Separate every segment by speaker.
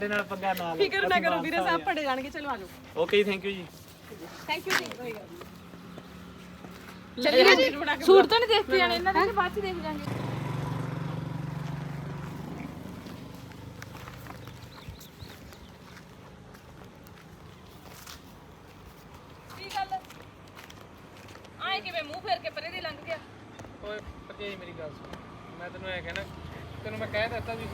Speaker 1: ਨਾਲ ਪੰਗਾ ਨਾ ਲਓ।
Speaker 2: ਫਿਕਰ ਨਾ ਕਰੋ ਵੀਰੇ ਸਾਹਿਬ ਪੜੇ ਜਾਣਗੇ। ਚਲੋ ਆ ਜਾਓ।
Speaker 1: ਓਕੇ ਥੈਂਕ ਯੂ ਜੀ।
Speaker 2: ਥੈਂਕ ਯੂ ਜੀ। ਚੱਲੀਏ ਜੀ।
Speaker 3: ਸੂਟ ਤਾਂ ਨਹੀਂ ਦੇਖ ਕੇ ਜਾਣੇ ਇਹਨਾਂ ਦੇ ਕਿ ਬਾਅਦ ਚ ਦੇਖ ਜਾਾਂਗੇ। ਕੀ ਗੱਲ ਆਏ ਕਿਵੇਂ ਮੂੰਹ ਫੇਰ ਕੇ ਪਰੇ ਦੀ ਲੰਘ ਗਿਆ।
Speaker 1: ਓਏ ਭਰਜਾਈ ਮੇਰੀ ਗੱਲ ਸੁਣ, ਮੈਂ ਤੈਨੂੰ ਐ ਕਹਿਣਾ, ਤੈਨੂੰ ਮੈਂ ਕਹਿ ਦਿੱਤਾ ਵੀ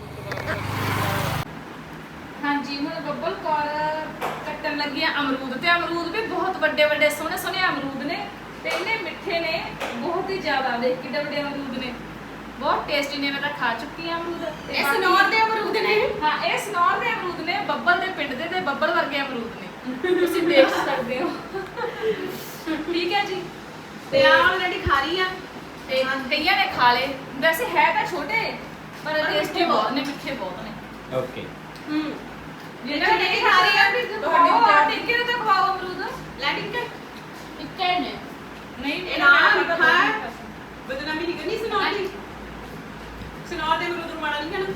Speaker 3: ਹਾਂਜੀ ਹੁਣ ਬੱਬਲ ਕੌਰ ਕੱਟਣ ਲੱਗੀ ਆ ਅਮਰੂਦ ਤੇ ਅਮਰੂਦ ਵੀ ਬਹੁਤ ਵੱਡੇ ਵੱਡੇ ਸੋਹਣੇ ਸੋਹਣੇ ਅਮਰੂਦ ਨੇ ਤੇ ਇੰਨੇ ਮਿੱਠੇ ਨੇ ਬਹੁਤ ਹੀ ਜ਼ਿਆਦਾ। ਦੇਖ ਕਿੱਡੇ ਵੱਡੇ ਅਮਰੂਦ ਨੇ, ਬਹੁਤ ਟੇਸਟੀ ਨੇ। ਮੈਂ ਤਾਂ ਖਾ ਚੁੱਕੀ ਆ ਅਮਰੂਦ।
Speaker 2: ਇਹ ਸਨੌਰ ਦੇ ਅਮਰੂਦ ਨੇ।
Speaker 3: ਹਾਂ ਇਹ ਸਨੌਰ ਦੇ ਅਮਰੂਦ ਨੇ, ਬੱਬਲ ਦੇ ਪਿੰਡ ਦੇ ਤੇ ਬੱਬਲ ਵਰਗੇ ਅਮਰੂਦ ਨੇ, ਤੁਸੀਂ ਦੇਖ ਸਕਦੇ ਹੋ। ਠੀਕ ਹੈ ਜੀ।
Speaker 2: ਤੇ ਆ ਆਲਰੇਡੀ ਖਾ ਰਹੀ ਆ
Speaker 3: ਤੇ ਕਈਆਂ ਨੇ ਖਾ ਲਏ, ਵੈਸੇ ਹੈ ਤਾਂ ਛੋਟੇ ਪਰ ਟੇਸਟੀ ਬਹੁਤ ਨੇ, ਮਿੱਠੇ ਬਹੁਤ ਨੇ।
Speaker 1: ਓਕੇ
Speaker 3: ਜਿਹੜਾ ਨਹੀਂ ਖਾ ਰਹੀ ਆ ਤੁਹਾਡੇ ਟਿੱਕੇ ਨੂੰ ਤਾਂ ਖਵਾਓ ਅਮਰੂਦ।
Speaker 2: ਲੈਟਿੰਗ ਕਰ
Speaker 3: ਟਿੱਕੇ ਨੇ ਨਹੀਂ
Speaker 2: ਇਹ ਨਾ ਮਿੱਠਾ ਬਦਨਾਮੀ ਨਹੀਂ ਕਰਨੀ ਸਨੌਰ ਦੀ। ਸਨੌਰ ਦੇ ਅਮਰੂਦ ਨੂੰ ਮਾੜਾ ਨਹੀਂ ਕਹਿਣਾ।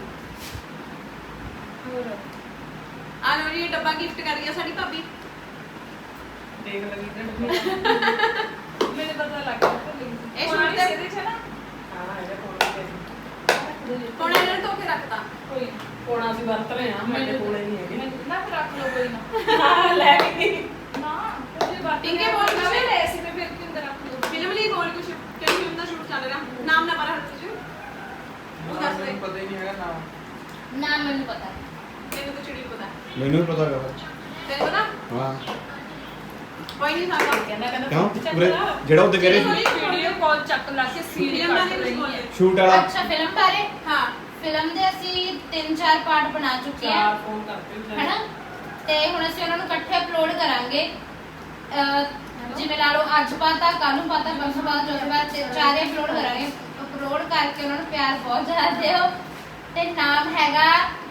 Speaker 3: ਹੋਰ
Speaker 2: ਆ ਲੋ ਜੀ, ਇਹ ਡੱਬਾ ਗਿਫਟ ਕਰ ਰਹੀ ਆ ਸਾਡੀ ਭਾਬੀ।
Speaker 1: ਦੇਖ ਲੱਗੀ ਤੇ
Speaker 3: ਮੈਨੂੰ ਪਤਾ ਲੱਗ ਗਿਆ
Speaker 2: ਇਹ ਸੂਟ ਦੇ
Speaker 3: ਇਹਦੇ ਚ ਨਾ
Speaker 1: ਹਾਂ ਇਹਦਾ ਕੋਲ
Speaker 2: ਹੁਣ ਇਹਨਾਂ ਨੇ ਧੋ ਕੇ ਰੱਖਤਾ।
Speaker 3: ਕੋਈ
Speaker 1: ਕੋਣਾ ਅਸੀਂ ਵਰਤ ਰਹੇ ਹਾਂ, ਸਾਡੇ ਕੋਲੇ ਨਹੀਂ ਹੈਗੇ।
Speaker 3: ਨਾ ਫਿਰ ਰੱਖ ਲਓ ਕੋਈ ਨਾ।
Speaker 1: ਹਾਂ ਲੈ ਵੀ
Speaker 3: ਨਾ ਤੁਸੀਂ ਬਾਤ
Speaker 2: ਟਿੱਕੇ ਬੋਲ
Speaker 3: ਨਾ
Speaker 2: ਕੇ
Speaker 3: ਲੈ ਸੀ ਤੇ ਫਿਰ ਕਿਉਂ ਅੰਦਰ ਰੱਖ ਲਓ।
Speaker 2: ਫਿਲਮ ਲਈ ਬੋਲ ਕੁਛ, ਕਿਹੜੀ ਫਿਲਮ ਦਾ ਸ਼ੂਟ ਚੱਲ ਰਿਹਾ? ਨਾਮ ਨਾ ਪਤਾ ਹੱਥ ਚ ਉਹ ਦੱਸ ਦੇ।
Speaker 1: ਪਤਾ ਹੀ ਨਹੀਂ ਹੈਗਾ ਨਾਮ।
Speaker 3: ਨਾ ਮੈਨੂੰ ਪਤਾ
Speaker 2: ਤੈਨੂੰ ਤਾਂ ਚਿੜੀ ਪਤਾ।
Speaker 4: ਮੈਨੂੰ ਵੀ ਪਤਾ ਹੈਗਾ
Speaker 2: ਤੈਨੂੰ ਪਤਾ?
Speaker 4: ਹਾਂ
Speaker 2: ਕੋਈ ਨਹੀਂ ਸਾਡਾ
Speaker 3: ਕਹਿੰਦਾ
Speaker 4: ਕਿਉਂ ਪੂਰੇ ਜਿਹੜਾ ਉੱਤੇ ਕਹਿ ਰਹੇ ਸੀ
Speaker 3: ਵੀਡੀਓ ਕਾਲ ਚੱਕ ਲਾ ਕੇ ਸੀਨ
Speaker 2: ਫਿਲਮ ਦਾ
Speaker 3: ਕੱਟ
Speaker 2: ਨਹੀਂ
Speaker 3: ਰਹੀ
Speaker 2: ਕੁਝ
Speaker 3: ਹੈ।
Speaker 4: ਸ਼ੂਟ ਵਾਲਾ
Speaker 5: ਅੱਛਾ ਫਿਲਮ ਬਾਰੇ
Speaker 2: ਹਾਂ
Speaker 5: ਫਿਲਮ ਦੇ ਅਸੀਂ 3-4 ਪਾਰਟ ਬਣਾ ਚੁੱਕੇ ਹਾਂ
Speaker 1: ਫੋਨ ਕਰਦੇ
Speaker 5: ਹੈਨਾ ਤੇ ਹੁਣ ਅਸੀਂ ਉਹਨਾਂ ਨੂੰ ਇਕੱਠੇ ਅਪਲੋਡ ਕਰਾਂਗੇ। ਜਿਵੇਂ ਲਾ ਲਓ ਅੱਜ ਪਾਤਾ, ਕੱਲ ਨੂੰ ਪਾਤਾ, ਪਰਸੋਂ ਪਾਤਾ, ਚੌਥੇ ਪਾਤਾ, ਚਾਰੇ ਅਪਲੋਡ ਕਰਾਂਗੇ। ਅਪਲੋਡ ਕਰਕੇ ਉਹਨਾਂ ਨੂੰ ਪਿਆਰ ਬਹੁਤ ਜ਼ਿਆਦਾ ਦਿਓ ਤੇ ਨਾਮ ਹੈਗਾ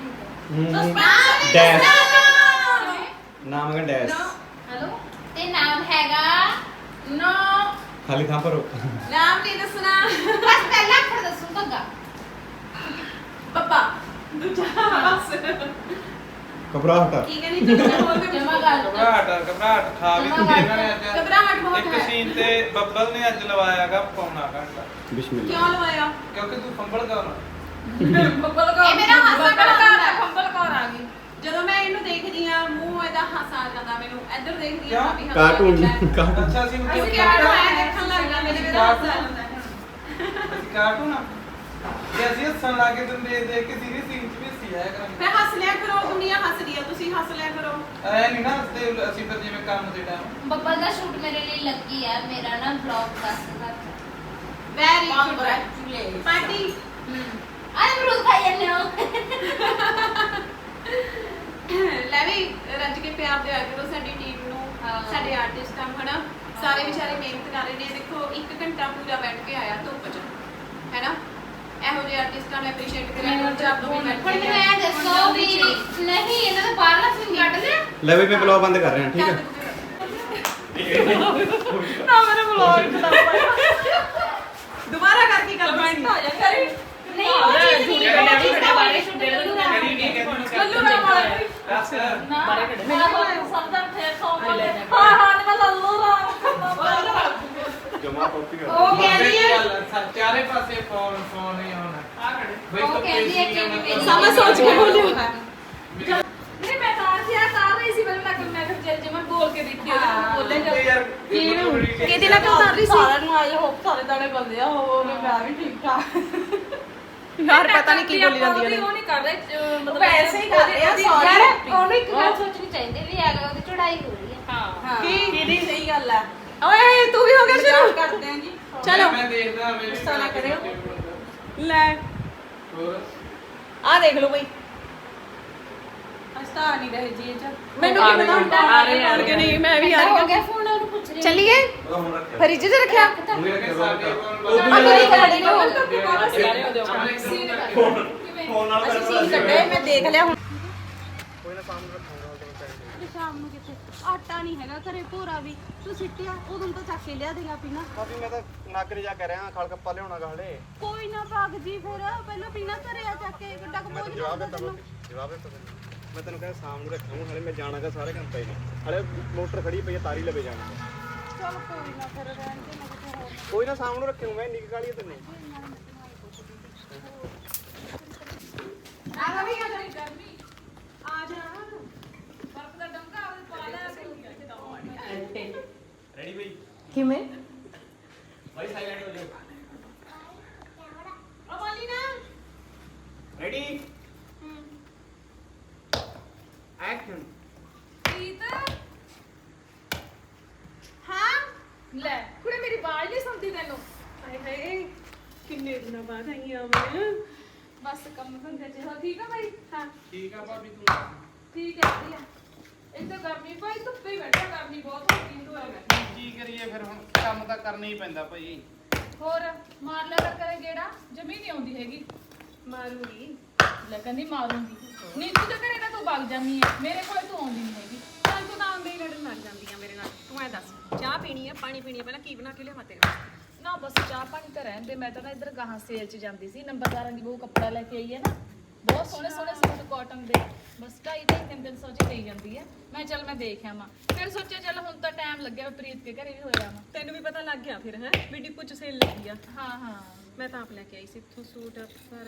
Speaker 4: ਡੈਸ਼ ਨਾਮ ਹੈਗਾ ਡੈਸ਼
Speaker 5: ਹੈਲੋ ਤੇ ਨਾਮ ਹੈਗਾ
Speaker 2: ਨੋ
Speaker 4: ਖਾਲੀ ਥਾਂ ਭਰੋ
Speaker 2: ਨਾਮ ਨਹੀਂ ਦੱਸਣਾ।
Speaker 5: ਬਸ ਪਹਿਲਾਂ ਅੱਖਰ ਦੱਸੂ ਧੱਗਾ
Speaker 2: ਪਪਾ ਦੂਜਾ ਬਸ
Speaker 4: ਘਬਰਾਹਟ
Speaker 2: ਠੀਕ ਹੈ ਨਹੀਂ ਚੱਲਣਾ ਹੋਰ ਵੀ
Speaker 5: ਜਮਾ ਗੱਲ
Speaker 1: ਘਬਰਾਹਟ ਖਾ ਵੀ
Speaker 5: ਜਮਾਂ
Speaker 1: ਦਿੱਤੀ ਇਹਨਾਂ ਨੇ ਅੱਜ।
Speaker 2: ਘਬਰਾਹਟ ਬਹੁਤ
Speaker 1: ਇੱਕ
Speaker 2: ਹੈ।
Speaker 1: ਸੀਨ ਤੇ ਬੱਬਲ ਨੇ ਅੱਜ ਲਵਾਇਆਗਾ ਪੌਣਾ ਘੰਟਾ,
Speaker 4: ਬਿਸਮਿਲ੍ਲਾ
Speaker 2: ਕਿਉਂ ਲਵਾਇਆ?
Speaker 1: ਕਿਉਂਕਿ ਤੂੰ ਫੰਬਲ ਕਰ
Speaker 3: ਬੱਬਲ ਕੌਰ
Speaker 2: ਇਹ ਮੇਰਾ ਹਾਸਾ
Speaker 3: ਬੱਬਲ
Speaker 2: ਬੜਾ
Speaker 3: ਕੌਰ
Speaker 2: ਆਉਂਦਾ ਹੈ।
Speaker 3: ਬੱਬਲ ਕੌਰ ਆ ਗਈ।
Speaker 2: ਜਦੋਂ ਮੈਂ ਇਹਨੂੰ ਦੇਖਦੀ ਆ ਮੂੰਹ ਇਹਦਾ ਹਾਸਾ ਆ ਜਾਂਦਾ ਮੈਨੂੰ। ਇੱਧਰ ਦੇਖਦੀ ਆ
Speaker 1: ਕਿਉਂ?
Speaker 2: ਭਾਬੀ ਹੱਸਦੀ
Speaker 4: ਕਾਰਟੂਨ
Speaker 2: ਹੈ।
Speaker 4: ਕਾਰਟੂਨ
Speaker 1: ਅੱਛਾ ਅਸੀਂ
Speaker 2: ਅਸੀਂ ਕਾਰਟੂਨ ਆਇਆ ਦੇਖਣ ਲੱਗ ਜਾਂਦੇ ਨੇ, ਮੇਰਾ ਹਾਸਾ ਆ ਜਾਂਦਾ ਹੈ।
Speaker 1: ਕਾਰਟੂਨ ਆ ਜੇ ਅਸੀਂ ਹੱਸਣ ਲੱਗੇ ਤਾਂ ਦੇਖ ਕੇ ਸੀਰੀਅਸ ਸੀਨ ਚ ਵੀ ਹੱਸੀ ਆਇਆ ਕਰਾਂਗੇ।
Speaker 2: ਮੈਂ ਹੱਸ ਲਿਆ ਕਰੋ, ਦੁਨੀਆ ਹੱਸਦੀ ਆ, ਤੁਸੀਂ ਹੱਸ ਲਿਆ ਕਰੋ।
Speaker 1: ਐ ਨਹੀਂ ਨਾ ਹੱਸਦੇ ਅਸੀਂ ਫਿਰ ਜਿਵੇਂ ਕੰਮ ਦੇ ਟਾਈਮ।
Speaker 5: ਬੱਬਲ ਦਾ ਸ਼ੂਟ ਮੇਰੇ ਲਈ ਲੱਗੀ ਆ। ਮੇਰਾ ਨਾ ਵਲੌਗ ਦੱਸਦਾ
Speaker 2: ਵੈਰੀ ਗੁੱਡ ਪਾਰਟੀ।
Speaker 5: ਆਏ ਅਮਰੂਦ ਖਾਈ ਜਾਂਦੇ ਹੋ
Speaker 2: ਲੈ ਵੀ ਰੱਜ ਕੇ ਪਿਆਰ ਦਿਆ ਕਰੋ ਸਾਡੀ ਟੀਮ ਨੂੰ, ਸਾਡੇ ਆਰਟਿਸਟਾਂ ਨੂੰ ਹਨਾ। ਸਾਰੇ ਵਿਚਾਰੇ ਮਿਹਨਤ ਕਰ ਰਹੇ ਨੇ। ਦੇਖੋ 1 ਘੰਟਾ ਪੂਰਾ ਬੈਠ ਕੇ ਆਇਆ ਧੁੱਪ 'ਚ ਹੈਨਾ। ਇਹੋ ਜਿਹੇ ਆਰਟਿਸਟਾਂ ਨੂੰ ਐਪਰੀਸ਼ੀਏਟ ਕਰਿਆ ਕਰੋ। ਜਦ ਵੀ
Speaker 5: ਹੁਣ ਮੈਨੂੰ ਇਹ ਦੱਸੋ ਵੀ ਨਹੀਂ ਇਹਨਾਂ ਦਾ ਬਾਹਰਲਾ ਸੀਨ ਕੱਢ ਲਿਆ।
Speaker 4: ਲੈ ਵੀ ਮੈਂ ਬਲੌਗ ਬੰਦ ਕਰ ਰਿਹਾ ਠੀਕ ਹੈ
Speaker 3: ਨਾ ਮੇਰੇ ਵਲੌਗ ਚ ਤਾਂ
Speaker 2: ਦੁਬਾਰਾ ਕਰਕੇ ਕਰ
Speaker 3: ਕਮੈਂਟ ਆ ਜਾ ਕਰੀ
Speaker 5: ਨਹੀਂ ਉਹ ਚੀਜ਼ ਨਹੀਂ ਉਹ ਚੀਜ਼ ਦਾ ਬਾਰੇ ਸ਼ੂਟ
Speaker 3: ਲੱਲੂ ਰਾਮ ਵਾਲਾ ਵੀ ਨਾ ਸਮਝਣ ਫੇਰ ਸੌ ਬੋਲੇ ਹਾਂ ਹਾਂ ਮੈਂ ਲੱਲੂ ਰਾਮ
Speaker 4: ਜਮਾ ਕਾਪੀ ਕਰ
Speaker 5: ਉਹ ਕਹਿੰਦੀ ਹੈ
Speaker 1: ਚਾਰੇ ਪਾਸੇ ਫੋਨ ਹੀ ਆਉਣਾ ਆ ਖੜੇ ਬਈ
Speaker 5: ਉਹ ਕਹਿੰਦੀ ਹੈ ਕਿ ਮੇਰੀ
Speaker 2: ਸਮਝ ਸੋਚ ਕੇ ਬੋਲਿਓ।
Speaker 3: ਨਹੀਂ ਮੈਂ ਤਾਂ ਰਹੀ ਸੀ ਪਹਿਲਾਂ ਮੈਂ ਫਿਰ ਜੇ ਮੈਂ ਬੋਲ ਕੇ ਦੇਖੀ ਬੋਲੇ
Speaker 1: ਯਾਰ
Speaker 2: ਕਿਹਦੇ ਨਾਲ ਕਿਉਂ ਕਰ ਰਹੀ ਸੀ?
Speaker 3: ਸਾਰਿਆਂ ਨੂੰ ਆਏ ਹੋਪ ਸਾਰੇ ਦਾਣੇ ਬੰਦੇ ਆ ਹੋ ਮੈਂ ਵੀ ਠੀਕ ਠਾਕ
Speaker 2: ਯਾਰ ਪਤਾ ਨਹੀਂ ਕੀ ਬੋਲੀ ਜਾਂਦੀ ਹੈ।
Speaker 3: ਉਹ ਨਹੀਂ ਕਰ ਰਹੇ ਮਤਲਬ
Speaker 2: ਵੈਸੇ ਹੀ ਕਰ ਰਹੇ ਆ, sorry।
Speaker 5: ਯਾਰ ਉਹਨੂੰ ਇੱਕ ਗੱਲ ਸੋਚਣੀ ਚਾਹੀਦੀ ਵੀ ਅਗਰ ਉਹਦੀ ਚੜਾਈ ਹੋ ਰਹੀ ਹੈ
Speaker 3: ਹਾਂ
Speaker 2: ਕਿਹਦੀ ਸਹੀ ਗੱਲ ਹੈ। ਓਏ ਤੂੰ ਵੀ ਹੋ ਗਿਆ ਸ਼ੁਰੂ ਕਰਦੇ ਆਂ ਜੀ। ਚਲੋ
Speaker 1: ਮੈਂ ਦੇਖਦਾ ਮੇਰੇ
Speaker 2: ਗੁੱਸਾ ਨਾ ਕਰਿਓ। ਲੈ
Speaker 1: ਹੋਰ
Speaker 2: ਆ ਦੇਖ ਲਓ ਬਈ ਹਸਤਾ ਨਹੀਂ ਰਹੇ ਜੀ ਇਹ ਚ ਮੈਨੂੰ
Speaker 3: ਆ
Speaker 2: ਕੀ ਪਤਾ
Speaker 3: ਰਹੇ
Speaker 2: ਹੁੰਦਾ
Speaker 3: ਆ ਰਹੇ ਆ ਰਹੇ
Speaker 2: ਨਹੀਂ ਮੈਂ ਵੀ ਆ
Speaker 5: ਹੋ
Speaker 2: ਰਹੀ
Speaker 5: ਗਿਆ ਫੋਨ ਉਹਨੂੰ ਪੁੱਛ ਰਹੀ
Speaker 2: ਚੱਲੀਏ ਫਰਿੱਜ 'ਚ ਰੱਖਿਆ
Speaker 4: ਫੋਨ ਨਾਲ
Speaker 2: ਅਸੀਂ ਸੀਨ ਕੱਢੇ ਮੈਂ ਦੇਖ ਲਿਆ ਹੁਣ।
Speaker 4: ਕੋਈ ਨਾ ਸਾਹਮਣੇ ਰੱਖਾਂਗਾ
Speaker 6: ਸ਼ਾਮ ਨੂੰ ਕਿਤੇ ਆਟਾ ਨਹੀਂ ਹੈਗਾ ਘਰੇ ਭੋਰਾ ਵੀ ਤੂੰ ਸਿੱਟਿਆ ਉਦੋਂ ਤਾਂ ਚੱਕ ਕੇ ਲਿਆ ਦੇਗਾ ਪੀਣਾ
Speaker 4: ਕਾਫੀ ਮੈਂ ਤਾਂ ਨਾਗਰੇ ਜਾ ਕੇ ਰਿਹਾ ਖਲ ਕੱਪਾ ਲਿਆਉਣਾ ਗਾਲੇ
Speaker 6: ਕੋਈ ਨਾ ਭਾਗ ਜੀ ਫਿਰ ਪਹਿਲਾਂ ਪੀਣਾ ਘਰੇ ਆ ਚੱਕ ਕੇ ਗੱਡਾ ਕਮੋਜ
Speaker 4: ਜਵਾਬ ਦਿੱਤਾ ਜਵਾਬ ਦਿੱਤਾ ਮੈਂ ਤੈਨੂੰ ਕਹਿੰਦਾ ਸ਼ਾਮ ਨੂੰ ਰੱਖਾਂਗਾ ਹਲੇ ਮੈਂ ਜਾਣਾਗਾ ਸਾਰੇ ਕੰਮ ਪਏ ਨੇ ਹਲੇ ਮੋਟਰ ਖੜੀ ਪਈ ਆ ਤਾਰੀ ਲਵੇ ਜਾਣਾ
Speaker 6: ਚਲ ਕੋਈ ਨਾ ਫਿਰ ਰਹਿਣ ਦੇ ਮੈਂ ਕਿਤੇ ਹੋਰ
Speaker 4: ਕੋਈ ਨਾ ਸ਼ਾਮ ਨੂੰ ਰੱਖਿਓ ਮੈਂ ਨਿੱਕ ਕਾਲੀ ਤੈਨੂੰ
Speaker 3: ਆ ਵੀ ਆ ਜਾ ਗਰਮੀ ਆ ਜਾ ਬਰਫ ਦਾ ਡੰਗਾ ਉਹਦੇ ਪਾ ਲੈ
Speaker 4: ਰੈਡੀ ਬਈ
Speaker 6: ਕਿਵੇਂ
Speaker 4: ਭਾਈ ਸਾਈਲੈਂਟ ਹੋ ਜਾਓ
Speaker 2: ਉਹ ਬੋਲੀ ਨਾ
Speaker 4: ਰੈਡੀ ਐਕਸ਼ਨ
Speaker 3: ਪ੍ਰੀਤ
Speaker 2: ਹਾਂ
Speaker 3: ਲੈ ਕੁੜੇ ਮੇਰੀ ਆਵਾਜ਼ ਨਹੀਂ ਸੁਣਦੀ ਤੈਨੂੰ
Speaker 2: ਹਾਏ ਹਾਏ ਕਿੰਨੇ ਦਿਨਾਂ ਬਾਅਦ ਆਈ ਆ ਮੈਂ
Speaker 3: ਬਸ ਕੰਮ ਧੰਦੇ ਚ ਹੋ ਠੀਕ ਆ ਬਾਈ ਹਾਂ
Speaker 1: ਠੀਕ ਆ ਭਾਬੀ ਤੂੰ
Speaker 3: ਠੀਕ ਹੈ ਵਧੀਆ ਇੱਥੇ ਗਰਮੀ ਭਾਈ ਧੁੱਪੇ ਬੈਠਾ ਗਰਮੀ ਬਹੁਤ ਹੋ ਗਈ ਤੂੰ
Speaker 1: ਕੀ ਕਰੀਏ ਫਿਰ ਹੁਣ ਕੰਮ ਤਾਂ ਕਰਨਾ ਹੀ ਪੈਂਦਾ ਭਾਈ
Speaker 3: ਹੋਰ ਮਾਰ ਲੈ ਕਰੇ ਗੇੜਾ ਜਮੀ ਨਹੀਂ ਆਉਂਦੀ ਹੈਗੀ
Speaker 2: ਮਾਰੂਗੀ
Speaker 3: ਲੈ ਕਹਿੰਦੀ ਮਾਰੂੰਗੀ ਨੀਤੂ ਦੇ ਘਰੇ ਤਾਂ ਤੂੰ ਵਗ ਜਾਂਦੀ ਹੈ ਮੇਰੇ ਕੋਲੇ ਤੂੰ ਆਉਂਦੀ ਨਹੀਂ ਹੈਗੀ
Speaker 2: ਚੱਲ ਤੂੰ ਤਾਂ ਆਉਂਦੇ ਹੀ ਲੜਨ ਲੱਗ ਜਾਂਦੀ ਆ ਮੇਰੇ ਨਾਲ ਤੂੰ ਐ ਦੱਸ ਚਾਹ ਪੀਣੀ ਆ ਪਾਣੀ ਪੀਣੀ ਆ ਪਹਿਲਾਂ ਕੀ ਬਣਾ ਕੇ ਲਿਆਵਾਂ ਤੇਰੇ ਵਾਸਤੇ
Speaker 3: ਨਾ ਬਸ ਚਾਹ ਪਾਣੀ ਤਾਂ ਰਹਿਣ ਦੇ ਮੈਂ ਤਾਂ ਨਾ ਇੱਧਰ ਗਾਹਾਂ ਸੇਲ 'ਚ ਜਾਂਦੀ ਸੀ ਨੰਬਰਦਾਰਾਂ ਦੀ ਬਹੂ ਕੱਪੜਾ ਲੈ ਕੇ ਆਈ ਹੈ ਨਾ ਬਹੁਤ ਸੋਹਣੇ ਸੋਹਣੇ ਸੂਟ ਕਾਟਨ ਦੇ ਬਸ 250-300 ਚ ਦੇਈ ਜਾਂਦੀ ਹੈ ਮੈਂ ਚੱਲ ਮੈਂ ਦੇਖ ਆਵਾਂ ਫਿਰ ਸੋਚਿਆ ਚੱਲ ਹੁਣ ਤਾਂ ਟਾਈਮ ਲੱਗਿਆ ਪ੍ਰੀਤ ਕੇ ਘਰੇ ਵੀ ਹੋਇਆ ਵਾ
Speaker 2: ਤੈਨੂੰ ਵੀ ਪਤਾ ਲੱਗ ਗਿਆ ਫਿਰ ਹੈ ਵੀ ਡਿਪੂ ਚ ਸੇਲ ਲੱਗੀ ਆ
Speaker 3: ਹਾਂ ਹਾਂ
Speaker 2: ਮੈਂ ਤਾਂ ਆਪ ਲੈ ਕੇ ਆਈ ਸੀ ਇੱਥੋਂ ਸੂਟ ਪਰ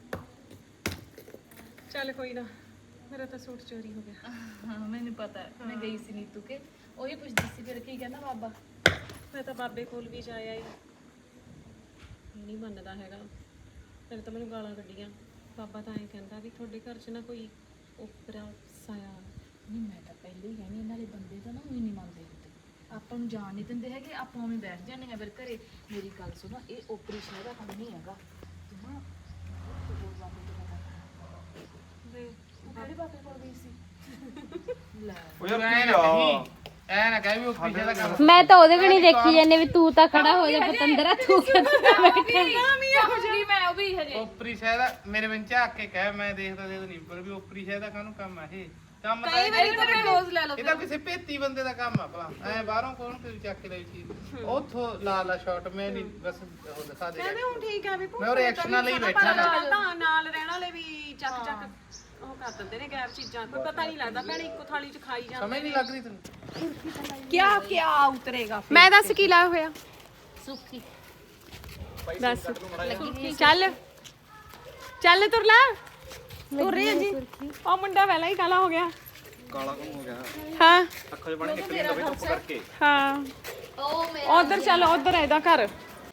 Speaker 2: ਚੱਲ ਕੋਈ ਨਾ ਮੇਰਾ ਤਾਂ ਸੂਟ ਚੋਰੀ ਹੋ ਗਿਆ
Speaker 3: ਹਾਂ ਮੈਨੂੰ ਪਤਾ ਹੈ। ਮੈਂ ਗਈ ਸੀ ਨੀਤੂ ਕੇ ਉਹੀ ਪੁੱਛਦੀ ਸੀ ਫਿਰ ਕੀ ਕਹਿੰਦਾ ਬਾਬਾ
Speaker 2: ਮੈਂ ਤਾਂ ਬਾਬੇ ਕੋਲ ਵੀ ਜਾ ਆਈ ਨਹੀਂ ਮੰਨਦਾ ਹੈਗਾ ਫਿਰ ਤਾਂ ਮੈਨੂੰ ਗਾਲਾਂ ਕੱਢੀਆਂ ਬਾਬਾ ਤਾਂ ਐਂ ਕਹਿੰਦਾ ਵੀ ਤੁਹਾਡੇ ਘਰ 'ਚ ਨਾ ਕੋਈ ਉਪਰਾ ਸਾਇਆ
Speaker 3: ਨਹੀਂ ਮੈਂ ਤਾਂ ਪਹਿਲੇ ਹੀ ਕਹਿੰਦੀ ਇਹਨਾਂ ਦੇ ਬੰਦੇ ਤਾਂ ਨਾ ਉਹੀ ਨਹੀਂ ਮੰਨਦੇ ਹੁੰਦੇ ਆਪਾਂ ਨੂੰ ਜਾਣ ਨਹੀਂ ਦਿੰਦੇ ਹੈਗੇ ਆਪਾਂ ਉਵੇਂ ਬੈਠ ਜਾਂਦੇ ਹਾਂ ਫਿਰ ਘਰੇ ਮੇਰੀ ਗੱਲ ਸੁਣੋ ਇਹ ਓਪਰੇਸ਼ਨ ਦਾ ਕੰਮ ਨਹੀਂ ਹੈਗਾ ਤੂੰ ਨਾ ਹੋਰ ਬਾਬੇ ਤੋਂ ਪਤਾ ਕਰ। ਤੂੰ ਕਿਹੜੇ ਬਾਬੇ ਕੋਲ ਗਈ ਸੀ ਲੈ
Speaker 4: ਉਹ ਯਾਰ
Speaker 1: ਐ
Speaker 4: ਕੀ
Speaker 1: ਨਾ
Speaker 4: ਆ
Speaker 1: ਐ ਨਾ ਕਹਿ ਵੀ ਉਹ ਪਿੱਛੇ ਦਾ ਕੰਮ
Speaker 5: ਮੈਂ ਤਾਂ ਉਹਦੇ ਕਣੀ ਦੇਖੀ ਜਾਂਦੀ ਵੀ ਤੂੰ ਤਾਂ ਖੜਾ ਹੋ ਜਾ ਪਤੰਦਰਾ ਤੂੰ ਕਿੱਥੇ ਬੈਠਾ
Speaker 3: ਕਹੂੰਗੀ ਮੈਂ ਉਹ ਵੀ ਹਜੇ
Speaker 1: ਉਪਰੀ ਸ਼ਾਇਦ ਮੇਰੇ ਵਿੱਚ ਝਾਕ ਕੇ ਕਹਿ ਮੈਂ ਦੇਖਦਾ ਨਹੀਂ ਪਰ ਵੀ ਉਪਰੀ ਸ਼ਾਇਦ ਦਾ ਕਾਹਨੂੰ ਕੰਮ ਆ ਇਹ ਕੰਮ ਤਾਂ
Speaker 2: ਕਈ ਵਾਰੀ ਤਾਂ ਕਲੋਜ਼ ਲੈ ਲਓ
Speaker 1: ਇਹ ਤਾਂ ਕਿਸੇ ਭੇਤੀ ਬੰਦੇ ਦਾ ਕੰਮ ਆ ਭਲਾ ਐ ਬਾਹਰੋਂ ਕੌਣ ਕੋਈ ਚੱਕ ਕੇ ਲਈ ਚੀਜ਼ ਉੱਥੋਂ ਲਾ ਲਾ ਸ਼ਾਟ ਮੈਂ ਨਹੀਂ ਬਸ ਉਹ ਦਿਖਾ ਦੇ
Speaker 2: ਕਹਿੰਦੇ ਹੁਣ ਠੀਕ ਆ ਵੀ
Speaker 1: ਮੈਂ ਉਹ reaction ਨਾਲ ਹੀ ਬੈਠਾ ਨਾ।
Speaker 2: ਤਾਂ ਨਾਲ ਰਹਿਣ ਵਾਲੇ ਵੀ ਚੱਕ ਚੱਕ ਉਹ ਕਰ ਦਿੰਦੇ ਨੇ ਗੈਰ ਚੀਜ਼ਾਂ ਕੋਈ ਪਤਾ ਨਹੀਂ ਲੱਗਦਾ ਭੈਣੇ ਇੱਕੋ ਥਾਲੀ 'ਚ ਖਾਈ ਜਾਂਦੇ
Speaker 1: ਸਮਝ ਨਹੀਂ ਲੱਗ ਰਹੀ ਤੈਨੂੰ
Speaker 2: ਕਿਆ ਕਿਆ ਉਤਰੇਗਾ ਮੈਂ ਦੱਸ ਕੀ ਲਾਇਆ ਹੋਇਆ
Speaker 5: ਸੁੱਖੀ
Speaker 2: ਦੱਸ ਚੱਲ ਚੱਲ ਤੁਰ ਲੈ ਤੁਰ ਰਹੀ ਜੀ ਉਹ ਮੁੰਡਾ ਪਹਿਲਾਂ ਹੀ ਕਾਲਾ ਹੋ ਗਿਆ
Speaker 4: ਕਾਲਾ ਕੌਣ ਹੋ ਗਿਆ
Speaker 2: ਹਾਂ
Speaker 4: ਅੱਖਾਂ 'ਚ ਪਾਣੀ ਨਿਕਲ ਜਾਂਦਾ ਧੁੱਪ ਕਰਕੇ
Speaker 2: ਹਾਂ
Speaker 5: ਉਹ ਮੇਰਾ
Speaker 2: ਉਧਰ ਚੱਲ ਉਧਰ ਇਹਦਾ ਘਰ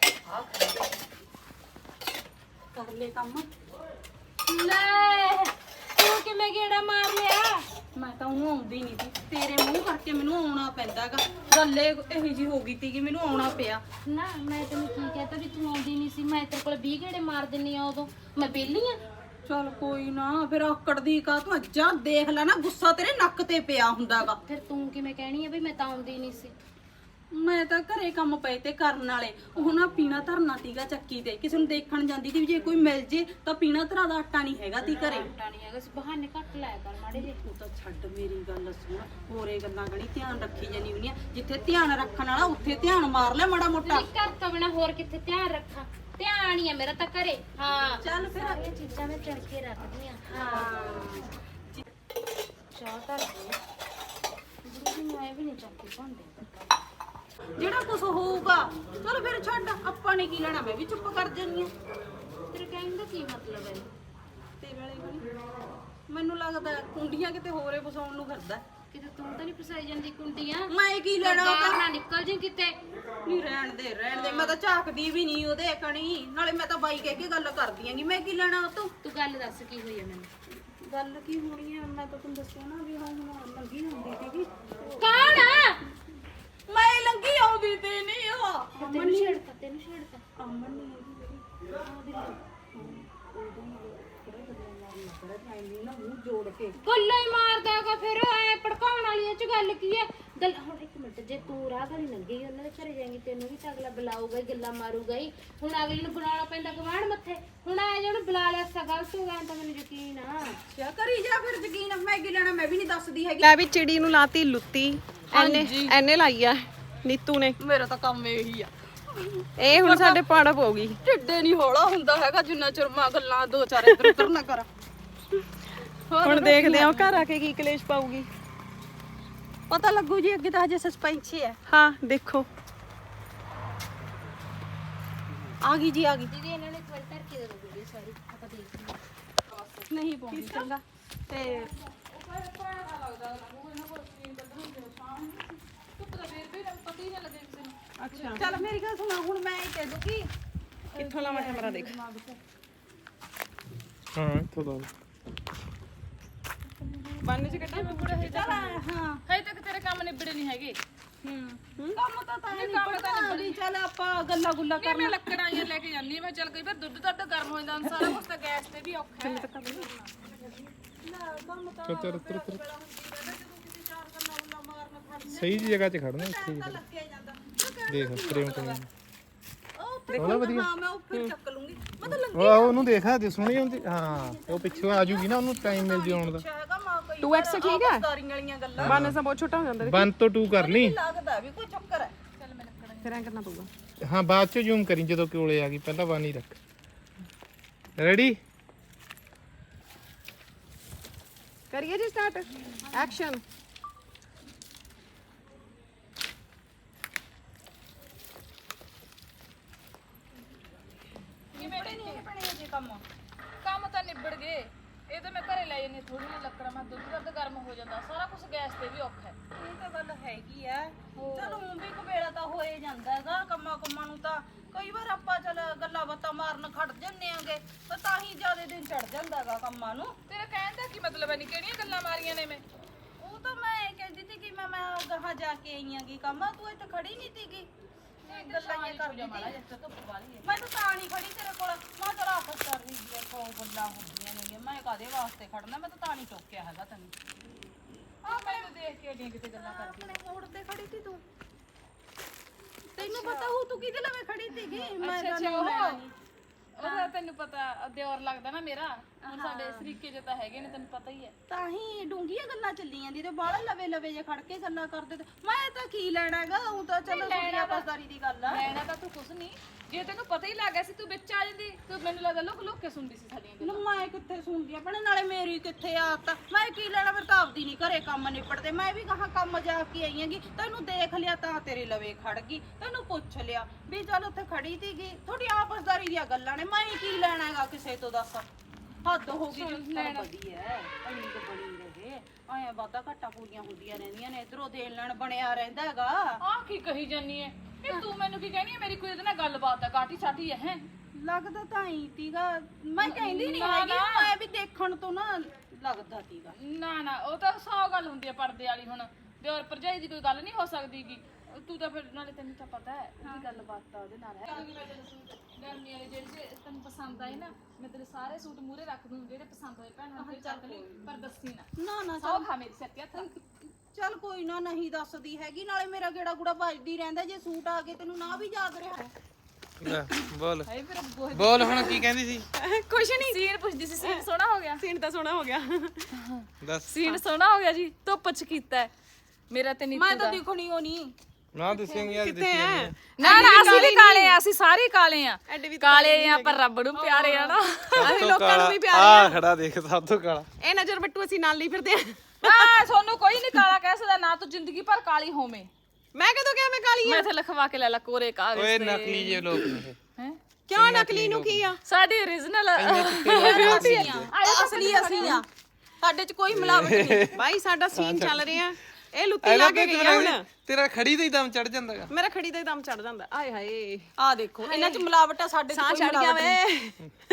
Speaker 6: ਕਰ ਲੈ ਕੰਮ
Speaker 5: ਲੈ ਤੂੰ ਕਿਵੇਂ ਗੇੜਾ ਮਾਰ ਲਿਆ
Speaker 6: ਮੈਂ ਤਾਂ ਉਹਨੂੰ ਆਉਂਦੀ ਨਹੀਂ ਸੀ ਤੇਰੇ ਮੂੰਹ ਕਰਕੇ ਮੈਨੂੰ ਆਉਣਾ ਪੈਂਦਾਗਾ ਗੱਲੇ ਇਹੋ ਜੀ ਹੋ ਗਈ ਤੀ ਕਿ ਮੈਨੂੰ ਆਉਣਾ ਪਿਆ
Speaker 5: ਨਾ ਮੈਂ ਤੈਨੂੰ ਕੀ ਕਹਤਾ ਵੀ ਤੂੰ ਆਉਂਦੀ ਨਹੀਂ ਸੀ ਮੈਂ ਤੇਰੇ ਕੋਲ 20 ਗੇੜੇ ਮਾਰ ਦਿੰਨੀ ਆ ਉਦੋਂ ਮੈਂ ਵਿਹਲੀ ਆ
Speaker 6: ਚਲ ਕੋਈ ਨਾ ਫਿਰ ਆਕੜਦੀ ਕਾ ਤੂੰ ਅੱਜਾ ਦੇਖ ਲੈ ਨਾ ਗੁੱਸਾ ਤੇਰੇ ਨੱਕ ਤੇ ਪਿਆ ਹੁੰਦਾਗਾ
Speaker 5: ਫਿਰ ਤੂੰ ਕਿਵੇਂ ਕਹਿਣੀ ਆ ਵੀ ਮੈਂ ਤਾਂ ਆਉਂਦੀ ਨਹੀਂ ਸੀ
Speaker 6: ਮੈਂ ਤਾਂ ਘਰੇ ਕੰਮ ਪਏ ਤੇ ਕਰਨ ਵਾਲੇ ਉਹ ਨਾ ਪੀਣਾ ਧਰਨਾ ਤੀਗਾ ਚੱਕੀ ਤੇ ਕਿਸੇ ਨੂੰ ਦੇਖਣ ਜਾਂਦੀ ਤੀ ਵੀ ਜੇ ਕੋਈ ਮਿਲ ਜੇ ਤਾਂ ਪੀਣਾ ਧਰਾ ਦਾ ਆਟਾ ਨਹੀਂ ਹੈਗਾ ਤੀ ਘਰੇ
Speaker 5: ਆਟਾ ਨਹੀਂ ਹੈਗਾ ਸੀ ਬਹਾਨੇ ਘੱਟ ਲਾਇਆ ਕਰ ਮਾੜੇ ਜੇ
Speaker 6: ਤੂੰ ਤਾਂ ਛੱਡ ਮੇਰੀ ਗੱਲ ਸੁਣ ਹੋਰੇ ਗੱਲਾਂ ਗਣੀ ਧਿਆਨ ਰੱਖੀ ਜਾਨੀ ਹੁੰਦੀਆਂ ਜਿੱਥੇ ਧਿਆਨ ਰੱਖਣ ਵਾਲਾ ਉੱਥੇ ਧਿਆਨ ਮਾਰ ਲੈ ਮਾੜਾ ਮੋਟਾ
Speaker 5: ਨਹੀਂ ਘਰ ਤੋਂ ਬਿਨਾ ਹੋਰ ਕਿੱਥੇ ਧਿਆਨ ਰੱਖਾਂ ਧਿਆਨ ਹੀ ਆ ਮੇਰਾ ਤਾਂ ਘਰੇ ਹਾਂ
Speaker 6: ਚੱਲ ਫਿਰ
Speaker 5: ਸਾਰੀਆਂ ਚੀਜ਼ਾਂ ਮੈਂ ਚੜ ਕੇ ਰੱਖਦੀ ਆ ਹਾਂ ਚਾਹ ਤਾਂ ਜੀ ਮੈਂ ਵੀ ਨਹੀਂ ਚੱਕੀ ਭਾਂਡੇ
Speaker 6: ਜਿਹੜਾ ਕੁਝ ਹੋਊਗਾ ਚਲ ਫਿਰ ਛੱਡ ਆਪਾਂ ਨੇ ਕੀ ਲੈਣਾ ਮੈਂ ਵੀ ਚੁੱਪ ਕਰ ਜਾਨੀ ਆ
Speaker 5: ਤੇਰੇ ਕਹਿਣ ਦਾ ਕੀ ਮਤਲਬ ਹੈ
Speaker 6: ਤੇਰੇ ਵਾਲੇ ਗਣੀ ਮੈਨੂੰ ਲੱਗਦਾ ਕੁੰਡੀਆਂ ਕਿਤੇ ਹੋਰੇ ਫਸਾਉਣ ਨੂੰ ਫਿਰਦਾ
Speaker 5: ਕਿਤੇ ਤੂੰ ਤਾਂ ਨਹੀਂ ਫਸਾਈ ਜਾਂਦੀ ਕੁੰਡੀਆਂ
Speaker 6: ਮੈਂ ਕੀ ਲੈਣਾ
Speaker 5: ਬਾਹਰ ਨਾ ਨਿਕਲ ਜੀ ਕਿਤੇ
Speaker 6: ਨਹੀਂ ਰਹਿਣ ਦੇ ਮੈਂ ਤਾਂ ਝਾਕਦੀ ਵੀ ਨਹੀਂ ਉਹਦੇ ਕਣੀ ਨਾਲੇ ਮੈਂ ਤਾਂ ਬਾਈ ਕਹਿ ਕੇ ਗੱਲ ਕਰਦੀ ਆਂਗੀ ਮੈਂ ਕੀ ਲੈਣਾ ਉਹ ਤੋਂ
Speaker 5: ਤੂੰ ਗੱਲ ਦੱਸ ਕੀ ਹੋਈ ਹੈ ਮੈਨੂੰ
Speaker 6: ਗੱਲ ਕੀ ਹੋਣੀ ਹੈ ਮੈਂ ਤਾਂ ਤੁਹਾਨੂੰ ਦੱਸਿਆ ਨਾ ਵੀ ਹਾਂ ਹੁਣ ਲੰਗੀ ਹੁੰਦੀ ਸੀਗੀ
Speaker 5: ਕੌਣ ਆ
Speaker 6: ਮੈਂ ਲੰਗੀ ਆਉਂਦੀ ਤੇ ਨਹੀਂ ਉਹ
Speaker 5: ਤੈਨੂੰ ਛੇੜਤਾ
Speaker 6: ਅਮਨ ਨਹੀਂ ਹੈਗੀ ਜਿਹੜੀ ਨਾ ਮੂੰਹ ਜੋੜ ਕੇ
Speaker 5: ਗੱਲਾਂ ਹੀ ਮਾਰਦਾਗਾ ਫਿਰ ਐ ਭੜਕਾਉਣ ਵਾਲੀ ਚ ਗੱਲ ਕੀ ਹੈ ਗੱਲ ਹੁਣ ਇੱਕ ਮਿੰਟ ਜੇ ਤੂੰ ਰਾਹ ਵਾਲੀ ਲੰਗੀ ਉਹਨਾਂ ਦੇ ਘਰੇ ਜਾਏਂਗੀ ਤੈਨੂੰ ਵੀ ਤਾਂ ਅਗਲਾ ਬੁਲਾਊਗਾ ਹੀ ਗੱਲਾਂ ਮਾਰੂਗਾ ਹੀ ਹੁਣ ਅਗਲੀ ਨੂੰ ਬੁਲਾਉਣਾ ਪੈਂਦਾ ਗਵਾਂਢ ਮੱਥੇ ਹੁਣ ਆ ਜਿਹਨੂੰ ਬੁਲਾ ਲਿਆ ਸਾ ਗਲਤ ਹੋ ਗਿਆ ਤਾਂ ਮੈਨੂੰ ਯਕੀਨ ਆ
Speaker 6: ਕਿਆ ਕਰੀ ਜਾ ਫਿਰ ਯਕੀਨ ਮੈਂ ਕੀ ਲੈਣਾ ਮੈਂ ਵੀ ਨਹੀਂ ਦੱਸਦੀ ਹੈਗੀ
Speaker 2: ਲੈ ਵੀ ਚਿੜੀ ਨੂੰ ਲਾਤੀ ਲੁੱਤੀ ਐਨੇ ਲਾਈ ਆ ਨੀਤੂ ਨੇ
Speaker 6: ਮੇਰਾ ਤਾਂ ਕੰਮ ਇਹੀ ਆ
Speaker 2: ਇਹ ਹੁਣ ਸਾਡੇ ਪਾੜਾ ਪਊਗੀ
Speaker 6: ਢਿੱਡੇ ਨਹੀਂ ਹੌਲਾ ਹੁੰਦਾ ਹੈਗਾ ਜਿੰਨਾ ਚਿਰ ਮੈਂ ਗੱਲਾਂ ਦੋ ਚਾਰ ਇੱਧਰ ਉੱਧਰ ਨਾ ਕਰਾਂ
Speaker 7: ਹੁਣ ਦੇਖਦੇ ਆ ਉਹ ਘਰ ਆ ਕੇ ਕੀ ਕਲੇਸ਼ ਪਾਊਗੀ।
Speaker 6: ਪਤਾ ਲੱਗੂ ਜੀ, ਅੱਗੇ ਤਾਂ ਹਜੇ ਸਸਪੈਂਸ ਹੀ ਹੈ।
Speaker 7: ਹਾਂ ਦੇਖੋ
Speaker 6: ਆ ਗਈ ਜੀ, ਆ ਗਈ।
Speaker 5: ਦੀਦੀ ਇਹਨਾਂ ਨੇ ਇੱਕ ਵਾਰ ਧਰ ਕੇ ਦੇ ਦੋ ਵੀਡੀਓ ਸਾਰੀ, ਆਪਾਂ ਦੇਖਦੇ ਹਾਂ।
Speaker 6: ਨਹੀਂ ਪਾਉਂਦੀ ਚੰਗਾ ਤੇ
Speaker 7: ਅੱਛਾ
Speaker 6: ਚੱਲ ਮੇਰੀ ਗੱਲ ਸੁਣਾ, ਹੁਣ ਮੈਂ ਇਹ ਕਹਿ ਦੂੰ ਕਿ
Speaker 7: ਕਿੱਥੋਂ ਲਾਵਾਂ ਕੈਮਰਾ ਦੇਖ।
Speaker 1: ਹਾਂ ਇੱਥੋਂ ਦਾ
Speaker 7: ਬੰਨ ਚ ਕੱਟਾ
Speaker 6: ਚੱਲ ਹਾਂ
Speaker 3: ਹਜੇ ਤੱਕ ਤੇਰੇ ਕੰਮ ਨਿਬੜੇ ਨਹੀਂ ਹੈਗੇ।
Speaker 6: ਕੰਮ ਤਾਂ ਨਹੀਂ ਪੜਦਾ ਵੀ ਚੱਲ ਆਪਾਂ ਗੱਲਾਂ ਗੁੱਲਾਂ
Speaker 3: ਨਹੀਂ ਮੈਂ ਲੱਕੜਾਂ ਜਾਂ ਲੈ ਕੇ ਜਾਂਦੀ ਹਾਂ। ਮੈਂ ਚੱਲ ਕਈ ਵਾਰ ਦੁੱਧ ਦੱਧ ਗਰਮ ਹੋ ਜਾਂਦਾ, ਸਾਰਾ ਕੁਝ ਤਾਂ ਗੈਸ ਤੇ ਵੀ ਔਖਾ ਹੈ।
Speaker 1: ਤੁਰ ਤੁਰ ਤੁਰ ਸਹੀ ਜਗ੍ਹਾ 'ਚ ਖੜਨਾ ਇੱਥੇ ਦੇਖ ਪ੍ਰੇਮ ਕਰ
Speaker 6: ਉਹ ਵਧੀਆ। ਹਾਂ ਮੈਂ ਉੱਪਰ ਚੱਕ ਲੂੰਗੀ, ਮਤਲਬ
Speaker 1: ਉਹ ਉਹਨੂੰ ਦੇਖਾ ਦੇ ਸੋਹਣੀ ਹੁੰਦੀ। ਹਾਂ ਉਹ ਪਿੱਛੋਂ ਆ ਜੂਗੀ ਨਾ, ਉਹਨੂੰ ਟਾਈਮ ਮਿਲ ਜੂ ਆਉਣ ਦਾ।
Speaker 6: ਹੈਗਾ ਮਾਂ ਕੋਈ
Speaker 7: 2x ਠੀਕ ਹੈ।
Speaker 6: ਦਾਰੀਆਂ ਵਾਲੀਆਂ ਗੱਲਾਂ
Speaker 7: ਬੰਨ ਸਾ ਬਹੁਤ ਛੋਟਾ ਹੋ ਜਾਂਦਾ
Speaker 1: 1 ਤੋਂ 2 ਕਰਨੀ।
Speaker 6: ਲੱਗਦਾ ਵੀ ਕੋਈ ਚੱਕਰ ਹੈ।
Speaker 7: ਫਿਰ ਐਂ ਕਰਨਾ ਪਊਗਾ।
Speaker 1: ਹਾਂ ਬਾਅਦ ਚ ਜ਼ੂਮ ਕਰੀ ਜਦੋਂ ਕੋਲੇ ਆ ਗਈ, ਪਹਿਲਾਂ 1 ਹੀ ਰੱਖ। ਰੈਡੀ
Speaker 7: ਕਰੀਏ ਜੀ ਸਟਾਰਟ, ਐਕਸ਼ਨ।
Speaker 3: ਕੰਮ ਤਾਂ ਨਿਬੜ ਗਏ। ਇਹ ਤਾਂ ਮੈਂ ਘਰੇ ਲੈ ਜਾਂਦੀ ਥੋੜੀ ਜਿਹੀ ਲੱਕੜਾਂ, ਮੈਂ ਦੁੱਧ ਦੱਧ ਗਰਮ ਹੋ ਜਾਂਦਾ, ਸਾਰਾ ਕੁਝ ਗੈਸ ਤੇ ਵੀ ਔਖਾ ਹੈ।
Speaker 6: ਇਹ ਤਾਂ ਗੱਲ ਹੈਗੀ ਆ। ਚਲ ਹੁਣ ਵੀ ਕਬੇੜਾ ਤਾਂ ਹੋਏ ਜਾਂਦਾ ਹੈਗਾ ਕੰਮਾਂ ਨੂੰ ਤਾਂ। ਕਈ ਵਾਰ ਆਪਾਂ ਚਲ ਗੱਲਾਂ ਬਾਤਾਂ ਮਾਰਨ ਖੜ ਜੰਨੇ ਆਂਗੇ ਤਾਂ ਤਾਂ ਹੀ ਜ਼ਿਆਦਾ ਦਿਨ ਚੜ ਜਾਂਦਾ ਹੈਗਾ ਕੰਮਾਂ ਨੂੰ।
Speaker 3: ਤੇਰਾ ਕਹਿਣ ਦਾ ਕੀ ਮਤਲਬ ਹੈ? ਨਹੀਂ ਕਿਹੜੀਆਂ ਗੱਲਾਂ ਮਾਰੀਆਂ ਨੇ ਮੈਂ?
Speaker 6: ਉਹ ਤਾਂ ਮੈਂ ਇਹ ਕਹਿੰਦੀ ਸੀ ਕਿ ਮੈਂ ਗਾਹਾਂ ਜਾ ਕੇ ਆਈ ਆਂਗੀ ਕੰਮ, ਤੂੰ ਇੱਥੇ ਖੜੀ ਨਹੀਂ ਸੀਗੀ। ਗੱਲਾਂ ਇਹ ਕਰਦੀ ਸੀ। ਮੈਂ ਤਾਂ ਨਹੀਂ ਖੜੀ ਤੇਰੇ ਕੋਲ। ਮੈਂ ਚਲ ਆਪਸ ਕਰ ਰਹੀ ਸੀ, ਕੋ ਗੱਲਾਂ ਹੁੰਦੀਆਂ ਨੇ। ਮੈਂ ਕਾਦੇ ਵਾਸਤੇ ਖੜਨਾ, ਮੈਂ ਤਾਂ ਨਹੀਂ ਟੋਕਿਆ ਹੈਗਾ ਤੈਨੂੰ।
Speaker 3: ਆ ਮੈਨੂੰ ਦੇਖ ਕੇ ਏਡੀਆਂ ਕਿਤੇ ਗੱਲਾਂ ਕਰਦੀ।
Speaker 6: ਆਪਣੇ ਮੋੜ ਤੇ ਖੜੀ ਸੀ ਤੂੰ। ਤੈਨੂੰ ਪਤਾ ਹੋ ਤੂੰ ਕਿਹਦੇ ਲਵੇ ਖੜੀ ਸੀਗੀ? ਮੈਂ ਤਾਂ ਨਹੀਂ
Speaker 3: ਉਹਦਾ ਤੈਨੂੰ ਪਤਾ ਦਿਓਰ ਲੱਗਦਾ ਨਾ ਮੇਰਾ। ਹੁਣ ਸਾਡੇ ਸਰੀਕੇ ਜੇ ਤਾਂ ਹੈਗੇ ਨੇ, ਤੈਨੂੰ ਪਤਾ ਹੀ ਹੈ।
Speaker 6: ਤਾਂ ਹੀ ਡੂੰਘੀਆਂ ਗੱਲਾਂ ਚੱਲੀ ਜਾਂਦੀ ਤੇ ਬਾਹਲਾ ਲਵੇ ਲਵੇ ਜੇ ਖੜ ਕੇ ਗੱਲਾਂ ਕਰਦੇ ਤੇ ਮੈਂ ਤਾਂ ਕੀ ਲੈਣਾ ਹੈਗਾ। ਉਹ ਤਾਂ ਚਲੋ ਲੈਣਾ ਬਸਦਾਰੀ ਦੀ ਗੱਲ ਆ।
Speaker 3: ਲੈਣਾ ਤਾਂ ਤੂੰ ਕੁਛ ਨਹੀਂ, ਜੇ ਤੈਨੂੰ ਪਤਾ ਹੀ ਲੱਗ ਗਿਆ ਸੀ ਤੂੰ ਵਿੱਚ ਆ ਜਾਂਦੀ। ਤੂੰ ਮੈਨੂੰ ਲੱਗਦਾ ਲੁਕ ਲੁਕ ਕੇ ਸੁਣਦੀ ਸੀ ਸਾਡੀਆਂ ਗੱਲਾਂ।
Speaker 6: ਮੈਂ ਕਿੱਥੇ ਸੁਣਦੀ ਆਪਣੇ ਨਾਲੇ ਮੇਰੀ ਕਿੱਥੇ ਆਦਤ। ਮੈਂ ਕੀ ਲੈਣਾ, ਫਿਰ ਤਾਂ ਆਪਦੀ ਨਹੀਂ ਘਰੇ ਕੰਮ ਨਿਪੜਦੇ। ਮੈਂ ਵੀ ਕਹਾਂ ਕੰਮ ਜਾ ਕੇ ਆਈ ਹੈਗੀ, ਤੈਨੂੰ ਦੇਖ ਲਿਆ ਤਾਂ ਤੇਰੇ ਲਵੇ ਖੜ ਗਈ। ਤੈਨੂੰ ਪੁੱਛ ਲਿਆ ਵੀ ਚੱਲ ਉੱਥੇ ਖੜੀ ਸੀਗੀ। ਥੋੜੀ ਆਪਸਦਾਰੀ ਦੀਆਂ ਗੱਲਾਂ ਨੇ, ਮੈਂ ਕੀ ਲੈਣਾ ਹੈਗਾ ਕਿਸੇ ਤੋਂ। ਦੱਸ ਹੱਦ ਹੋ ਗਈ। ਲੈਣਾ ਵਧੀਆ ਇੰਨੀ ਕੁ ਬਣੀ ਰਹੇ ਆਏ, ਵਾਧਾ ਘਾਟਾ ਪੂਰੀਆਂ ਹੁੰਦੀਆਂ ਰਹਿੰਦੀਆਂ ਨੇ। ਇਧਰੋਂ ਦੇਣ ਲੈਣ ਬਣਿਆ ਰਹਿੰਦਾ ਹੈਗਾ।
Speaker 3: ਆਹ ਕੀ ਕਹੀ ਜਾਨੀ ਹੈ? ਇਹ ਤੂੰ ਮੈਨੂੰ ਕੀ ਕਹਿਣੀ ਹੈ? ਮੇਰੀ ਕੋਈ ਉਹਦੇ ਨਾਲ ਗੱਲਬਾਤ ਹੈ, ਕਾਟੀ ਸਾਟੀ ਹੈ।
Speaker 6: ਲੱਗਦਾ ਤਾਂ ਹੀ ਤੀਗਾ। ਮੈਂ ਕਹਿੰਦੀ ਨਹੀਂ ਹੈਗੀ, ਮੈਂ ਵੀ ਦੇਖਣ ਤੋਂ ਨਾ ਲੱਗਦਾ ਤੀਗਾ।
Speaker 3: ਨਾ ਉਹ ਤਾਂ 100 ਗੱਲ ਹੁੰਦੀ ਹੈ ਪਰਦੇ ਵਾਲੀ। ਹੁਣ ਦਿਓਰ ਭਰਜਾਈ ਦੀ ਕੋਈ ਗੱਲ ਨਹੀਂ ਹੋ ਸਕਦੀ ਗੀ। ਤੂੰ ਤਾਂ ਫਿਰ ਨਾਲੇ ਤੈਨੂੰ ਤਾਂ ਪਤਾ ਹੈ ਉਹਦੀ ਗੱਲਬਾਤ ਤਾਂ ਉਹਦੇ ਨਾਲ ਹੈ। ਗਰਮੀ ਵਾਲੇ ਜਿਹੜੇ ਤੈਨੂੰ ਪਸੰਦ ਆਏ ਨਾ, ਮੈਂ ਤੇਰੇ ਸਾਰੇ ਸੂਟ ਮੂਰੇ ਰੱਖ ਦੂੰ। ਜਿਹੜੇ ਪਸੰਦ ਹੋਏ ਭੈਣਾਂ ਨੂੰ ਚੱਕ ਲਈ, ਪਰ ਦੱਸੀ ਨਾ।
Speaker 6: ਨਾ
Speaker 3: ਸੌ ਖਾ ਮੇਰੀ ਸਿਰ ਤੇ ਹੱਥ।
Speaker 6: ਚੱਲ ਕੋਈ ਨਾ, ਨਹੀਂ ਦੱਸਦੀ ਹੈਗੀ। ਨਾਲੇ ਮੇਰਾ ਗੇੜਾ ਗੁੜਾ ਵੱਜਦੀ ਰਹਿੰਦਾ। ਜੇ ਸੂਟ ਆ ਗਏ ਤੈਨੂੰ ਨਾ ਵੀ ਯਾਦ ਰਿਹਾ।
Speaker 1: ਬੋਲ ਬੋਲ ਹੁਣ ਕੀ ਕਹਿੰਦੀ ਸੀ?
Speaker 7: ਕੁਛ ਨਹੀਂ,
Speaker 3: ਸੀਨ ਪੁੱਛਦੀ ਸੀ। ਸੀਨ ਸੋਹਣਾ ਹੋ ਗਿਆ।
Speaker 7: ਸੀਨ ਤਾਂ ਸੋਹਣਾ ਹੋ ਗਿਆ।
Speaker 1: ਦੱਸ।
Speaker 3: ਸੀਨ ਸੋਹਣਾ ਹੋ ਗਿਆ ਜੀ। ਧੁੱਪ ਚ ਕੀਤਾ ਮੇਰਾ ਤੇ ਨੀਤੂ
Speaker 6: ਮੈਂ
Speaker 3: ਦਾ।
Speaker 6: ਤਾਂ ਦਿਖਣੀ ਹੋ ਨਹੀਂ।
Speaker 1: ਨਾ ਦੱਸੇਂਗੇ ਅੱਜ
Speaker 7: ਕਿੱਥੇ ਹੈ?
Speaker 3: ਨਾ ਅਸੀਂ ਵੀ ਕਾਲੇ ਆ, ਅਸੀਂ ਸਾਰੇ ਕਾਲੇ ਆ। ਕਾਲੇ ਆ ਪਰ ਰੱਬ ਨੂੰ ਪਿਆਰੇ ਆ ਨਾ।
Speaker 7: ਅਸੀਂ ਲੋਕਾਂ ਨੂੰ ਵੀ ਪਿਆਰੇ
Speaker 1: ਆ ਖੜਾ ਦੇਖ ਸਭ ਤੋਂ ਕਾਲਾ।
Speaker 7: ਇਹ ਨਜ਼ਰ ਬੱਟੂ ਅਸੀਂ ਨਾਲ ਲਈ ਫਿਰਦੇ ਆ।
Speaker 3: ਨਾ ਤੁਹਾਨੂੰ ਕੋਈ ਨਹੀਂ ਕਾਲਾ ਕਹਿ ਸਕਦਾ, ਨਾ ਤੂੰ ਜ਼ਿੰਦਗੀ ਭਰ ਕਾਲੀ ਹੋਵੇਂ।
Speaker 7: ਮੈਂ ਕਦੋਂ ਕਿਹਾ ਮੈਂ ਕਾਲੀ
Speaker 3: ਮੈਂ ਇੱਥੇ ਲਿਖਵਾ ਕੇ ਲੈ ਲਾ ਕੋਰੇ ਕਾਗਜ਼
Speaker 1: ਓਏ ਨਕਲੀ ਜੇ ਲੋਕ ਨੇ ਇਹ।
Speaker 3: ਹੈ
Speaker 7: ਕਿਉਂ? ਨਕਲੀ ਨੂੰ ਕੀ ਆ?
Speaker 3: ਸਾਡੀ origignal
Speaker 6: ਅਸਲੀ ਅਸੀਂ ਆ, ਸਾਡੇ ਚ ਕੋਈ ਮਿਲਾਵਟ ਨਹੀਂ।
Speaker 7: ਬਾਈ ਸਾਡਾ ਸੀਨ ਚੱਲ ਰਿਹਾ। ਇਹ ਲੁੱਤੀ ਲਾ ਕੇ ਗਈ ਆ ਹੁਣ।
Speaker 1: ਤੇਰਾ ਖੜੀ ਦਾ ਹੀ ਦਮ ਚੜ ਜਾਂਦਾਗਾ।
Speaker 7: ਮੇਰਾ ਖੜੀ ਦਾ ਹੀ ਦਮ ਚੜ ਜਾਂਦਾ। ਆਏ ਹਾਏ
Speaker 6: ਆ ਦੇਖੋ ਇਹਨਾਂ ਚ ਮਿਲਾਵਟ ਆ, ਸਾਡੇ ਚ
Speaker 7: ਸਾਹ
Speaker 6: ਕੋਈ
Speaker 7: ਚੜ ਗਿਆ
Speaker 6: ਮਿਲਾਵਟ ਨਹੀਂ।
Speaker 7: ਵੇ।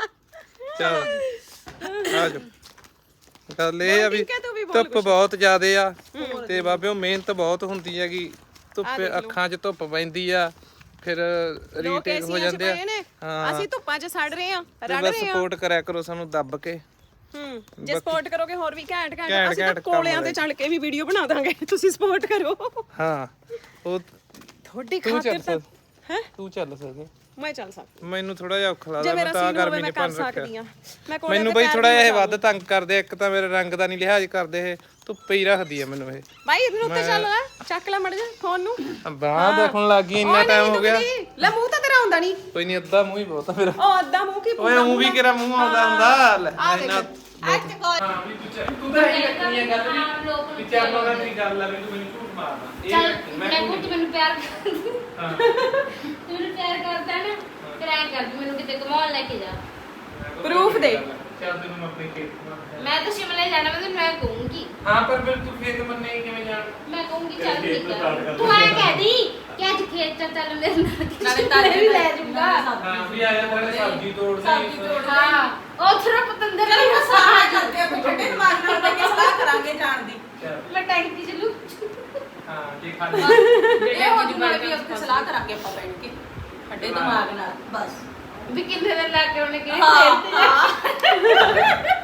Speaker 1: ਚਲ ਆ ਜਾ। ਗੱਲ ਇਹ ਆ ਵੀ
Speaker 7: ਠੀਕ ਹੈ, ਤੂੰ ਵੀ ਬੋਲ
Speaker 1: ਧੁੱਪ ਬਹੁਤ ਜ਼ਿਆਦੇ ਆ ਤੇ ਬਾਬਿਓ ਮਿਹਨਤ ਬਹੁਤ ਹੁੰਦੀ ਹੈਗੀ। ਧੁੱਪੇ ਅੱਖਾਂ 'ਚ ਧੁੱਪ ਪੈਂਦੀ ਆ, ਫਿਰ
Speaker 7: ਲੋਕ
Speaker 1: ਰੀਟੇਕ ਹੋ
Speaker 7: ਏਸੀਆਂ ਚ
Speaker 1: ਜਾਂਦੇ
Speaker 7: ਪਏ ਨੇ,
Speaker 1: ਆ।
Speaker 7: ਅਸੀਂ ਧੁੱਪਾਂ 'ਚ ਸੜ ਰਹੇ ਆ,
Speaker 1: ਤੇ
Speaker 7: ਰੜ
Speaker 1: ਬਸ
Speaker 7: ਰਹੇ ਆ।
Speaker 1: ਸਪੋਰਟ ਕਰਿਆ ਕਰੋ ਸਾਨੂੰ ਦੱਬ ਕੇ।
Speaker 7: ਜੇ ਸਪੋਰਟ ਕਰੋਗੇ ਹੋਰ ਵੀ ਘੈਂਟ
Speaker 1: ਘੈਂਟ
Speaker 7: ਘੈਂਟ ਅਸੀਂ ਤਾਂ
Speaker 1: ਕੰਮ
Speaker 7: ਕੋਲਿਆਂ ਤੇ ਚੜ ਕੇ ਵੀ ਵੀਡੀਓ ਬਣਾ ਦਾਂਗੇ। ਤੁਸੀਂ ਸਪੋਰਟ ਕਰੋ।
Speaker 1: ਹਾਂ ਉਹ
Speaker 7: ਤੁਹਾਡੀ
Speaker 1: ਤੂੰ
Speaker 7: ਖਾਤਰ
Speaker 1: ਚੱਲ
Speaker 7: ਤਾਂ
Speaker 1: ਹੈ ਤੂੰ ਚੱਲ ਸਕਦੀ।
Speaker 7: ਮੈਂ ਚੱਲ ਸਕਦੀ।
Speaker 1: ਮੈਨੂੰ ਥੋੜਾ ਜਿਹਾ ਔਖਾ
Speaker 7: ਜੇ
Speaker 1: ਲੱਗਦਾ,
Speaker 7: ਮੇਰਾ
Speaker 1: ਮੈਂ ਤਾਂ
Speaker 7: ਸੀਨ ਹੋਵੇ
Speaker 1: ਗਰਮੀ
Speaker 7: ਮੈਂ
Speaker 1: ਨੇ
Speaker 7: ਕਰ
Speaker 1: ਪੰਨ
Speaker 7: ਸਕਦੀ
Speaker 1: ਰੱਖਿਆ।
Speaker 7: ਆ। ਮੈਂ ਕੋਲੇ
Speaker 1: ਮੈਨੂੰ ਬਈ ਥੋੜਾ ਜਿਹਾ ਇਹ ਵੱਧ ਤੰਗ ਕਰਦੇ। ਇੱਕ ਤਾਂ ਮੇਰੇ ਰੰਗ ਦਾ ਨਹੀਂ ਲਿਹਾਜ਼ ਕਰਦੇ, ਇਹ ਧੁੱਪੇ ਹੀ ਰੱਖਦੀ ਆ ਮੈਨੂੰ ਇਹ।
Speaker 7: ਬਾਈ ਇਹਨੂੰ ਉੱਤੇ ਚੱਲ ਲੈ, ਚੱਕ ਲੈ ਮੜ ਜਾ ਫੋਨ ਨੂੰ।
Speaker 1: ਬਾਹ ਦੇਖਣ ਲੱਗ ਗਈ, ਇੰਨਾ ਟਾਈਮ ਹੋ ਗਿਆ।
Speaker 7: ਲੈ ਮੂੰਹ ਤਾਂ ਤੇਰਾ ਹੁੰਦਾ ਨਹੀਂ।
Speaker 1: ਕੋਈ ਨਹੀਂ, ਅੱਧਾ ਮੂੰਹ ਹੀ ਬਹੁਤ ਆ ਮੇਰਾ।
Speaker 7: ਉਹ ਅੱਧਾ ਮੂੰਹ ਕੀ
Speaker 1: ਓਏ ਉਹ ਵੀ ਕਿਹੜਾ ਮੂੰਹ ਆਉਂਦਾ ਹੁੰਦਾ। ਲੈ, ਇੰਨਾ
Speaker 6: ਅੱਜ ਕੋਈ
Speaker 1: ਹਾਂ ਵੀ ਤੂੰ ਤਾਂ ਇਹ ਰੱਖਣੀ ਹੈ ਗੱਲ
Speaker 5: ਹਾਂ, ਲੋਕ
Speaker 1: ਵੀ
Speaker 5: ਨੂੰ
Speaker 1: ਚੱਲ ਉਹਨਾਂ ਦੀ ਗੱਲ ਆ ਵੀ ਤੂੰ ਮੈਨੂੰ ਝੂਠ ਮਾਰਦਾ
Speaker 5: ਚੱਲ
Speaker 1: ਇਹ
Speaker 5: ਮੈਂ
Speaker 1: ਕੋਈ
Speaker 5: ਤੂੰ ਮੈਨੂੰ ਪਿਆਰ ਕਰਦੀ
Speaker 1: ਹਾਂ
Speaker 5: ਤੂੰ ਮੈਨੂੰ ਪਿਆਰ ਕਰਦਾ ਨਾ ਫਿਰ ਐਂ ਕਰ ਵੀ ਮੈਨੂੰ ਕਿਤੇ ਘੁਮਾਉਣ ਲੈ ਕੇ ਜਾ
Speaker 7: Proof ਦੇ।
Speaker 1: ਚੱਲ ਤੈਨੂੰ ਮੈਂ ਆਪਣੇ ਖੇਤ ਘੁਮਾਉਣਾ।
Speaker 5: ਮੈਂ ਤਾਂ ਸ਼ਿਮਲੇ ਜਾਣਾ ਮੈਂ ਤੈਨੂੰ ਐਂ ਕਹੂੰਗੀ
Speaker 1: ਹਾਂ ਪਰ ਫਿਰ ਤੂੰ ਖੇਤ ਮੰਨੇ ਕਿਵੇਂ ਜਾਣ
Speaker 5: ਮੈਂ ਕਹੂੰਗੀ ਚੱਲ
Speaker 4: ਖੇਤ
Speaker 5: ਠੀਕ
Speaker 4: ਤੋਂ
Speaker 5: ਆ
Speaker 4: start ਕਰ
Speaker 5: ਤੂੰ ਐਂ ਕਹਿ ਦੀ ਕਿ ਅੱਜ ਖੇਤ ਚ ਚੱਲ ਮੇਰੇ ਨਾਲ
Speaker 3: ਨਾਲੇ
Speaker 5: ਤਾਜੇ ਵੀ ਲੈ ਜਾਊਗਾ
Speaker 1: ਹਾਂ ਵੀ ਆਇਆ ਤਾਂ ਸਬਜ਼ੀ ਤੋੜਦੇ
Speaker 5: ਹਾਂ ਉਹ ਥੋੜਾ ਪਤੰਦਰ
Speaker 6: ਚਲ
Speaker 5: ਨਹੀਂ
Speaker 6: ਹੁਣ ਸਲਾਹ ਕਰਦੇ ਆ ਠੰਡੇ ਦਿਮਾਗ ਨਾਲ ਬੈ ਕੇ ਸਲਾਹ ਕਰਾਂਗੇ ਜਾਣ ਦੀ
Speaker 1: ਚੱਲ,
Speaker 5: ਮੈਂ ਟੈਂਕੀ ਚ ਲੂ
Speaker 1: ਹਾਂ ਜੇ ਖਾਲੀ
Speaker 6: ਇਹ ਹੋ ਜੂਗਾ ਵੀ ਉੱਥੇ ਸਲਾਹ ਕਰਾਂਗੇ ਆਪਾਂ ਬੈਠ ਕੇ ਠੰਡੇ ਦਿਮਾਗ ਨਾਲ ਬਸ
Speaker 5: ਵੀ ਕਿੰਨੇ ਦਿਨ ਲਾ ਕੇ ਉਹਨੇ ਕਿਹਾ
Speaker 6: ਹਾਂ